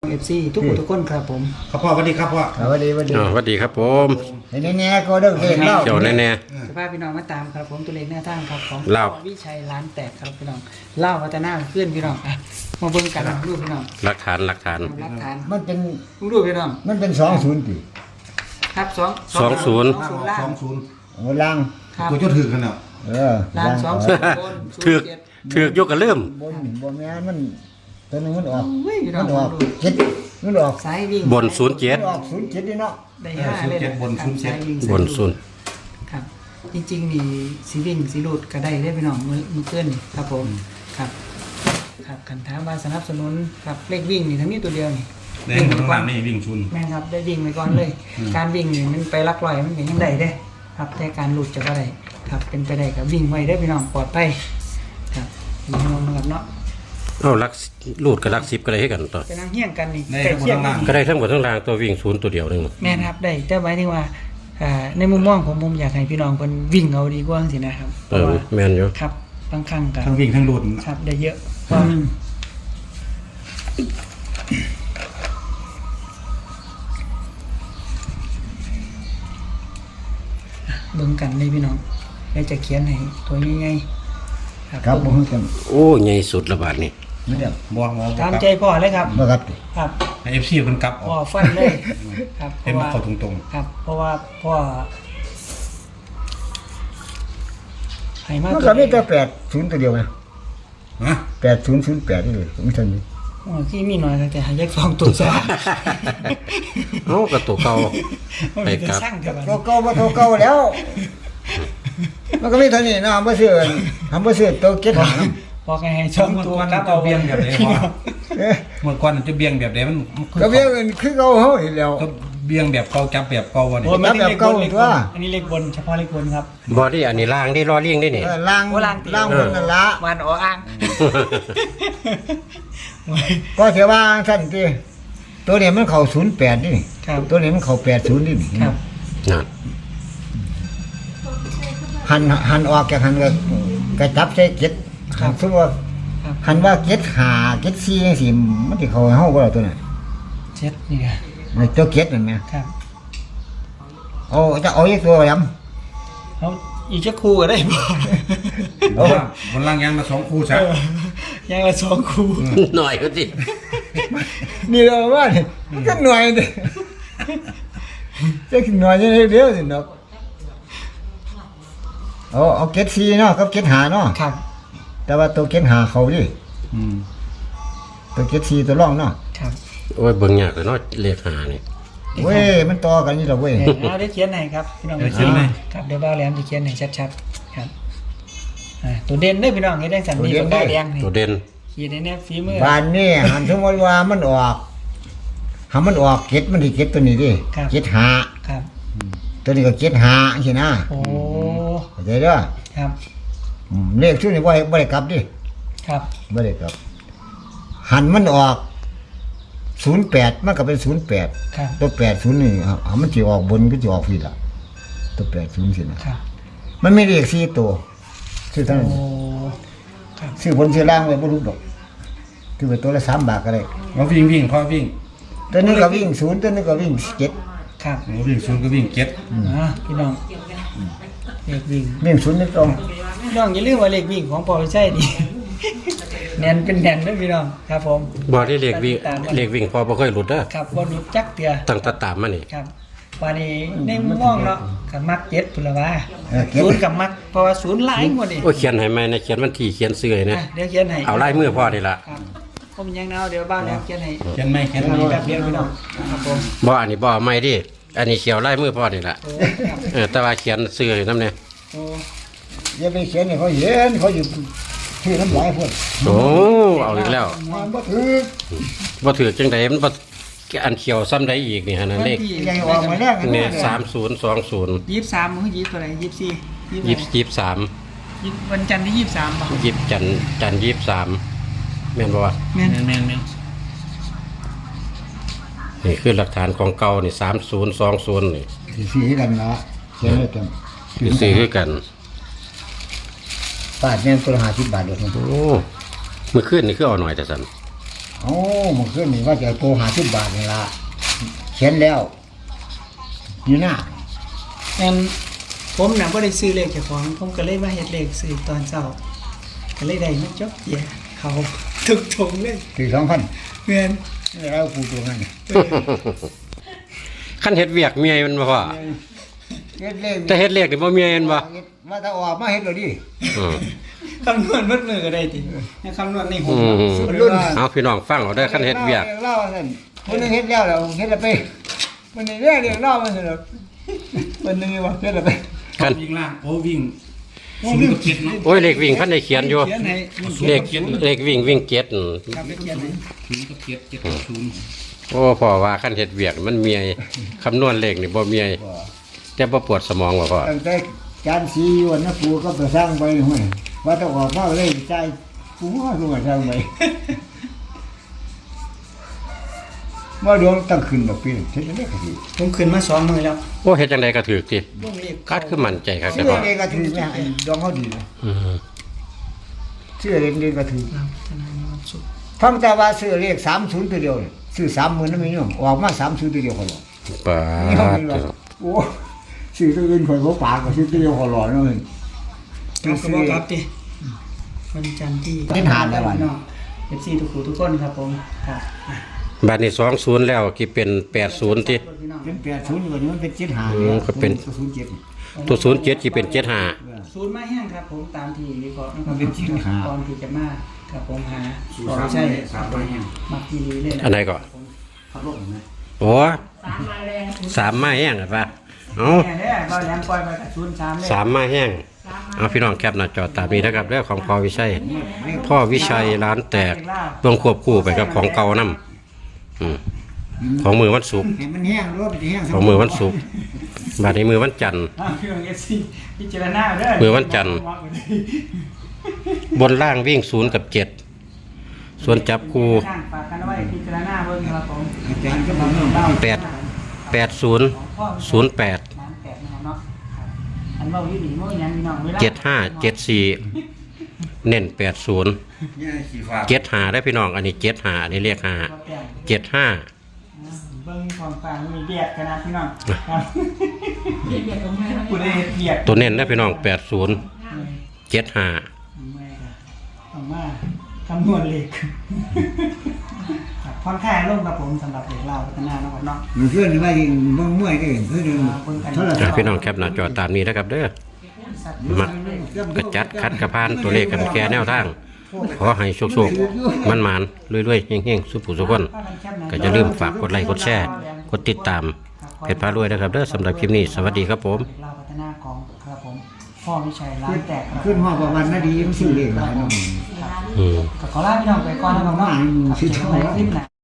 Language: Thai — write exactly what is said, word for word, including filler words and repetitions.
เอฟซีทุกคนทุกคนครับผมครับพ่อสวัสดีครับพ่อสวัสดีสวัสดีอ๋อสวัสดีครับผมแน่แน่ก็เด้อเด็กเล่าเกี่ยวแน่สภาพพี่น้องมาตามครับผมตัวเลขแนวทางครับของเล่าวิชัยร้านแตกครับพี่น้องเล่าพัฒนาขึ้นพี่น้องอ่ะมาเบิ่งกันรูปพี่น้องๆหลักฐานหลักฐานหลักฐานมันเป็นรูปพี่น้องมันเป็นสองศูนย์ปีครับสองสองศูนย์สองศูนย์ล่าสอง งศูนย์โอ้ล่างครับตัวเจ้าถือกันเนาะเออล่างสองศูนย์บนศูถือนย์เจ็ดถือกยกกันเริ่มบนบนแม่นมันตัวหนึงมันออกเฮ้ยพี่น้อมังนออกเจ็ดมันออกสายวิ่งบนศูนย์เจ็มัดนออกศูนย์เจ็ดนี่เนาะได้ห้าเลยะครับสายวิ่งบนศูนย์ครับจริงๆนี่สีวิ่งสีรูดก็ได้ได้พี่น้องมือมือเกินนี่ครับผมครับครับคันถามว่าสนับสนุนครับเลขวิ่งนี่ทั้งนี้ตัวเดียวนี่ในหมู่ข้างล่างนี่วิ่งชุนแม่นครับได้วิ่งไปก่อนเลย การวิ่งนี่มันไปลักลอยมันเป็นยังไงเด้ครับแต่การหลุดจะก็ได้ครับเป็นไปได้กับวิ่งไว้ได้อพี่น้องปลอดภัยครับพี่น้องนะครับเนาะเอาลักลูดกับลักสิบก็ได้ให้กันต่อเป็นนางเฮี้ยงกันนี่ในใกล้ข้างบนเคียงข้างล่างก็ได้ทั้งหมดทั้งรางตัววิ่งศูนย์ตัวเดียวหนึงแม่นครับได้แต่หมายถึงว่าอ่าในมุมมองผมผมอยากให้พี่น้องเพิ่นวิ่งเอาดีกว่าสินะครับเพเอราะอว่าแม่นอยู่ครับบางครั้งก็ทั้งวิ่งทั้งหลุดครับได้เยอะกว่าเบิ่งกันเลยพี่น้องแล้วจะเขียนให้ตัวง่ายๆครับผมจโอ้ใหญ่สุดระบาดนี่ำไม่ได้บัวบัวตามใจพ่อเลยครับบ่ครับครับเอฟซีมันกลับอพ่ออกฟันเลยครับเพเห็นราะมันว่าเข้าตรงครับ เพราะว่าพ่อให้มามันตัก็วมีเดีแต่ยวแปดศูนย์ตัวเดียวนะๆนะแปดศูนย์ศูนย์แปดนี่เลยไม่ทันนี้โอ้ที่มีหน่อยแต่หายกสองตัวซะเอ้ากับตัวเก่ามันไปเป็นกลับสร้างเดียวกันโตเก่าบ่โตเก่าแล้ว มันก็มีเท่านี้นะทำบ่ซื้อทำบ่ซื้อตัวเก็ตหางบอกไงให้ช่องเมื่อตัวก่อนกลับจะเอาเบี่ยงแบบไหนพ่อเอ๊ะเมื่อก่อนจะเบี่ยงแบบไหนมันก็เบี้ยเงินคือเก่าเฮาอีกแล้วก็เบี่ยงแบบเก่าจับแบบเก่าวะนี่โอ้ยไม่ได้เลขแบบเก่าบนเลขตับวนอันนี้เลขบนเฉพาะเลขบนครับบอดี้อันนี้ล่างได้รอเลี่ยงได้นี่เออล่างโอ้ล่างติล่างบนนั่นละวันอ๋ออ้างก็เสียว่าท่านที่ตัวนี้มันเข้าศูนย์แปดนี่ครับตัวนี้มันเข้าแปดศูนย์นี่ครับนั่นหันหันออกจากหันก็กระจับใส่เก็ดหันสมมติว่าครับหันว่าเก็ดหาเก็ดซีจังซี่มันสิเข้าเฮาบ่ล่ะตัวนั้นเจ็ดนี่ไงไอ้ตัวเก็ดนั่นแหมครับเอาจะเอาอีกตัวยำเขาอีกจะคู่ก็ได้บ่บนล่างบนล่างยังมาสองคู่ซะเออยังละสองคู่หน่อยก็สินี่เราว่านี่มันก็หน่วยเด้จะหน่วยยังไงเดียวสิเนาะเอาเอาเก็ดซีเนาะกับเก็ดหาเนาะครับแต่ว่าตัวเก็ดหาเขาดิอืมตัวเก็ดซีตัวร่องเนาะครับโอ้ยเบิ่งยากเลยเนาะเลขหานี่เว้ยมันต่อกันนี่ล่ะเว้ยเดี๋ยวเอาได้เขียนให้ครับพี่น้องครับเดี๋ยวบ้าวแหลมจะเขียนให้ชัดๆครับอ่าตัวเด่นเด้อพี่น้องเฮ็ดได้สันดีปากกาแดงนี่ตัวเด่นขีดในแนบฝีมือบ้านนี่หันสมมติว่ามันออกหามันออกเก็ดมันที่เก็ดตัวนี้ดิเก็ดหาครับตัวนี้ก็เก็ดหาใช่นะโอ้เข้าใจเด้อครับอืมเลขชุดนี้บ่ให้บ่ได้กลับดิครับบ่ได้กลับ หันมันออกศูนย์แปดมันก็เป็นศูนย์แปดครับตัวแปดศูนย์นี่อ่ะอ่ะมันสิออกบนก็สิออกผิดล่ะตัวแปดศูนย์สินะครับ มันไม่เลขสี่ตัวซื้อเท่านั้นโอ้ครับซื้อบนซื้อล่างไว้บ่รู้ดอกคือไปตัวละสามบาทก็ได้เราวิ่งวิ่งพ่อวิ่งตัวนี้ก็วิ่งศูนย์ตัวนี้ก็วิ่งเจ็ดครับเราวิ่งศูนย์ก็วิ่งเก็ตอ่าพี่น้องเลขวิ่งวิ่งศูนย์นี่ตรงพี่น้องอย่าลืมว่าเลขวิ่งของปอใช่ดิ แน่นเป็นแน่นเด้อพี่น้องครับผมบอดี้เลขวิ่งเลขวิ่งพอบ่ค่อยหลุดเด้อครับบ่หลุดจักเตือตั้งแตาตามมานี่ครับวันนี้ในมุมมองเนาะกับมักเจ็ดพุ่นละว่าเออเจ็ดศูนย์กับมักเพราะว่าศูนย์หลายกว่านี่โอ้ยเขียนให้ไหมนะเขียนวันที่เขียนเสื้อให้นะอ่ะเดี๋ยวเขียนให้เอาลายมือพ่อนี่ล่ะครับผมยังเนาเดี๋ยวบ้านแล้วเขียนให้เขียนไหมเขียนเดี๋ยวไหมมีแบบเดียวพี่น้องครับผมบ่อันนี้บ่เอาไม่ดิอันนี้เขียวลายมือพ่อนี่ล่ะโอ้ครับเออแต่ว่าเขียนเสื้อให้นำเนี่ยโอ้อย่าไปเขียนให้เขาเห็นเขาอยู่ที่น้ำลายพุ่นโอ้เอาอีกแล้วมันบ่ถือบ่ถือจังไดมันบ่อันเขียวซ้ำใดอีกนี่ฮะนั่นเลขใหญ่ออกมาแรกอันเนี่นี้ยสามศูนย์สองศูนย์ยี่สิบสามมือยี่สิบอะไรยี่สิบสี่ยี่ยี่สิสิบบยี่สิบสามยี่สิบวันจันทร์ที่ยี่สิบสามป่ะยี่สิบจันทร์จันทร์ยี่สิบสามแม่นบ่วะแม่นแม่นแม่นแม่นนี่คือหลักฐานของเก่านี่สามศูนย์สองศูนย์นี่สีกันละเขียนให้กันคือซื้อคือกันบาทเนี่ยตัวละห้าสิบบาทเลยโอ้เมื่อคืนนี่คือเอาหน่อยแต่สันโอ้มันขึ้นนี่ว่าจะโตหาสิบบาทนี่ละเขียนแล้วนี่นะแอนผมน่ะบ่ได้ซื้อเลขเจ้าของผมก็เลยมาเฮ็ดเลขซื้อตอนเช้าก็เลยได้มาจบเกียร์เขาทุกทงเลยสี่สองพันแม่นแล้วกูตัวนั้นขั้นเฮ็ดเวียกเมียมันบ่พ่อเฮ็ดเลขแต่เฮ็ดเลขนี่บ่เมียมันบ่มาถ้าออกมาเฮ็ดเลยดิอืมคำนวณมัดมือก็ได้ติให้คำนวณในหัวอืมรุ่นเอาพี่น้องฟังเอาได้อขั้นเฮ็ดเวียกเล่านั่นคนนึงเฮ็ดแล้วแล้วเฮ็ดแล้วไปมันนี่เรียกเรียกเล่ามันสนุกมันนึงว่าเฮ็ดแล้วไปขั้นวิ่งล่างโอ้วิ่งศูนย์กับเจ็ดเนาะโอ้ยเลขวิ่งขั้นได้เขียนอยู่เขียนให้เลขเลขวิ่งวิ่งเจ็ดอืมครับไปเขียนให้ศูนย์กับเจ็ดเจ็ดกับศูนย์โอ้พ่อว่าขั้นเฮ็ดเวียกมันเมียคำนวณเลขนี่บ่เมียแต่บ่ปวดสมองว่าพ่อตั้งแต่จานสีอยู่นะกูก็ไปสร้างไปห้วยว่าต้องออกมาเลยใจกูว่ากูมาสร้างไปว่าดวงตั้งขึ้นแบบปีเฮ็ดได้ก็สิผมขึ้นมาสองมือแล้วโอ้เฮ็ดจังไดก็ถูกติวงเลขคัดคือมั่นใจครับเชื่แต่อพ่อเองก็ถือแม่ไอ้ดวงเขาดีนะอืมเชื่อเองเองก็ถือเราพัฒนาในวันศุกร์ฟังแต่ว่าซื้อเลขสามศูนย์ตัวเดียวนี่ซื้อสามหมื่นนั่นไม่ยอมออกมาสามศูนย์ตัวเดียวเขาหรอกปานี่เขาดเป็นว่าโอ้ซื้อตัวอื่นข่อยบ่ปากก็ซื้อตัวเดียวเขาหรอกนั่นเองเราก็บอกครับดิวันจันทร์ที่เป็นหาดแล้ววันเอฟซีทุกคู่ทุกคนครับผมครับบัดนี้สองศูนย์แล้วกี่เป็นแปดศูนย์ติเป็นแปดศูนย์กว่านี้มันเป็นเจ็ดหาอืมก็เป็นศูนย์เจ็ดตัวศูนย์เจ็ดสิเป็นเจ็ดห้าศูนย์มาแห้งครับผมตามที่วิเคราะห์นะคมัรับนเป็นที่หาก่อนที่จะมาครับผมหาศูนก่อย์นสามใช่สามร้อยแห้งมักกีรีเลยนะอันไหนก็ขับรถเห็นไหมโอ้สามไม้แห้งอะปะเอาแน่เนี่ยเราแหลมปล่อยไปกับศูนย์สามเลยสามไม้แห้งเอาพี่น้องแคปหน้าจอตามนี้นะครับเรื่องของพ่อวิชัย พ่อวิชัยร้านแตกต้องควบคู่ไปกับของเก่านํอืมของมือวันศุกร์เห็นมันแห้งหรือว่ามันจะแห้งของมือวันศุกร์บัดนี้มือวันจันทร์อ่าพี่น้องเอฟซีพิจารณาเด้อมือวันจันทร์ บนล่างวิ่งศูนย์กับเจ็ดส่วนจับคู่ฝากกันไว้พิจารณาเบิ่งครับผมอาจารย์ก็บอกว่าแปดแปดศูนย์ศูนย์แปดน้ำแปดนะครับเนาะครับอันเว้าอยู่ดีเมื่อยังพี่น้องเวลาเจ็ดห้าเจ็ดสี่เน้นแปดศูนย์เนี่ยสีฟ้าเจ็ดห้าได้พี่น้องอันนี้เจ็ดห้าอันนี้เรียกห้าเจ็ดห้าเบิ่งความฟังมีเบียดกันนะพี่น้องครับเบียดตรงไหนกูได้เบียดตัวเน้นได้พี่น้องแปดศูนย์เจ็ดห้าไม่ค่ะต้องมาคำนวณเลขครับค่อนข้างลงกับผมสำหรับเด็กเราวพัฒนาเนาะครับเนาะมันเพื่อนว่ายิงบ้องมวยก็เห็นเพื่อนเดินเท่าไหร่อ่ะพี่น้องแคปหน้าจอตามนี้นะครับเด้อมักกระจัดคัดกระพานตัวเลขกันแก่แนวทางขอให้โชคๆมันมันๆรวยๆเฮงๆสุขผู้สุขคนก็จะลืมฝากกดไลค์กดแชร์กดติดตามเพจพารวยนะครับเด้อสำหรับคลิปนี้สวัสดีครับผมเด็กเราวพัฒนาของครับผมพ่อวิชัยร้านแตกครับขึ้นห้องประวันนาดีมันชื่อเลขหลายน้องอืมก็ขอลาพี่น้องไปก่อนนะครับเนาะครับเจอกันใหม่คลิปหน้า